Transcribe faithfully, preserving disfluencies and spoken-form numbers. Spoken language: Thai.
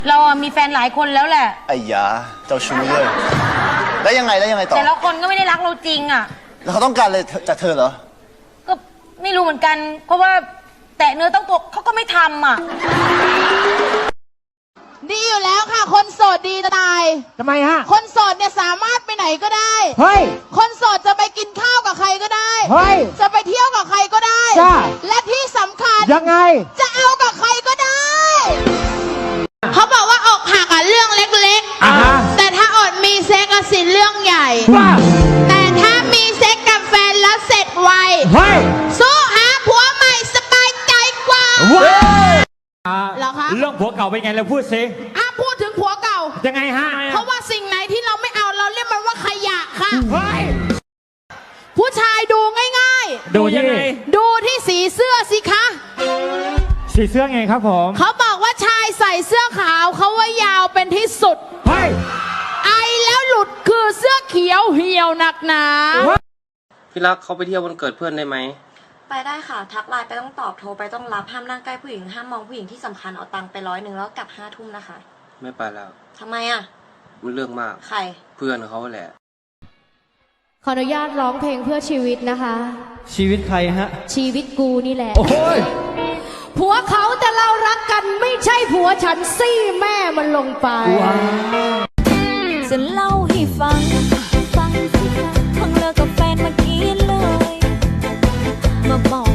เราอะมีแฟนหลายคนแล้วแหละไอ้ยาเจ้าชู้เลยแล้วยังไงแล้วยังไงต่อแต่ละคนก็ไม่ได้รักเราจริงอ่ะแล้วเขาต้องการอะไรจากเธอเหรอก็ไม่รู้เหมือนกัน เพราะว่าแตะเนื้อต้องตัวเขาก็ไม่ทำอ่ะดีอยู่แล้วค่ะ คนโสดดีจะตายทำไมฮะคนโสดเนี่ยสามารถไปไหนก็ได้เฮ้ยคนโสดจะไปกินข้าวกับใครก็ได้เฮ้ยจะไปเที่ยวกับใครก็ได้จ้าและที่สำคัญยังไงจะเอากับใครก็ได้ เขาบอกว่าอกหักอะเรื่องเล็กอ่าฮะๆ แต่ถ้าอดมีเซ็กอะสิเรื่องใหญ่ว่าแต่ถ้ามีเซ็กกับแฟนแล้วเสร็จไวเฮ้ยสู้หาผัวใหม่สบายใจกว่าว้าเหรอคะเรื่องผัวเก่าเป็นไงเราพูดสิห้ามพูดถึงผัวเก่ายังไงฮะเพราะว่าสิ่งไหนที่เราไม่เอาเราเรียกมันว่าขยะค่ะเฮ้ยผู้ชายดูง่ายดูยังไงๆ ดูที่สีเสื้อสิคะสีเสื้อไงครับผมเขาบอกว่าชายใส่เสื้อขาวเขาว่ายาวเป็นที่สุดเฮ้ยไอแล้วหลุดคือเสื้อเขียวเหี่ยวหนักหนาพี่รักเขาไปเที่ยววันเกิดเพื่อนได้ไหมไปได้ค่ะ ทักไลน์ไปต้องตอบโทรไปต้องรับห้ามนั่งใกล้ผู้หญิงห้ามมองผู้หญิงที่สำคัญเอาตังค์ไปร้อยหนึ่งแล้วกลับห้าทุ่มนะคะไม่ไปแล้วทำไมอ่ะมันเรื่องมากใครเพื่อนเขาแหละขออนุญาตร้องเพลงเพื่อชีวิตนะคะชีวิตใครฮะชีวิตกูนี่แหละโอ้ยผัวเขาแต่เรารักกันไม่ใช่ผัวฉันซี่แม่มันลงไปจะเล่าให้ฟัง ฟังสิคะเพิ่งเลิกกับแฟนเมื่อกี้เลย มาบอก